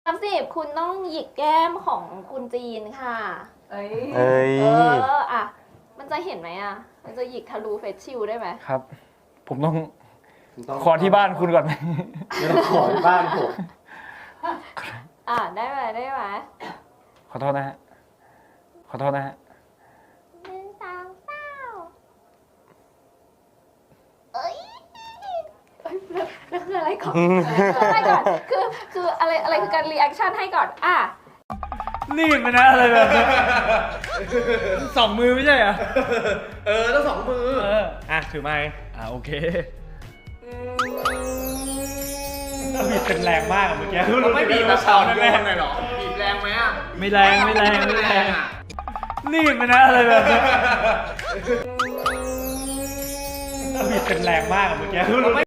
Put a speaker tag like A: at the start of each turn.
A: 30คุณต้องหยิกแก้มของคุณจีนค่ะเอ้ยอ่ะมันจะเห็นไหมอ่ะมันจะหยิกทะลุเฟซชิลได้ไหม
B: ครับผมต้องขอที่บ้านคุณก่อนไหม
C: ไม่ต้องขอที่บ้านผม
A: ได้ไหม
B: ขอโทษนะฮะขอโทษนะฮะ
A: 1 2 3เอ้ยแล้วคืออะไรก่อนอะไรก่อนคืออะไรคือการรีแอคชั่นให้ก่อน
B: รีบไปนะอะไรแบบนี้2 มือไม่ใช่เหรอ
C: ต้อง2 มือ
B: ถือไม้โอเคบีบเป็นแรงมากเมื่อกี้
C: ไม่บีบแบบเฉาแรงเลยหรอบีบแรงไหม
B: ไม่แรงรีบไปนะอะไรแบบนี้บีบเป็นแรงมากเมื่อกี้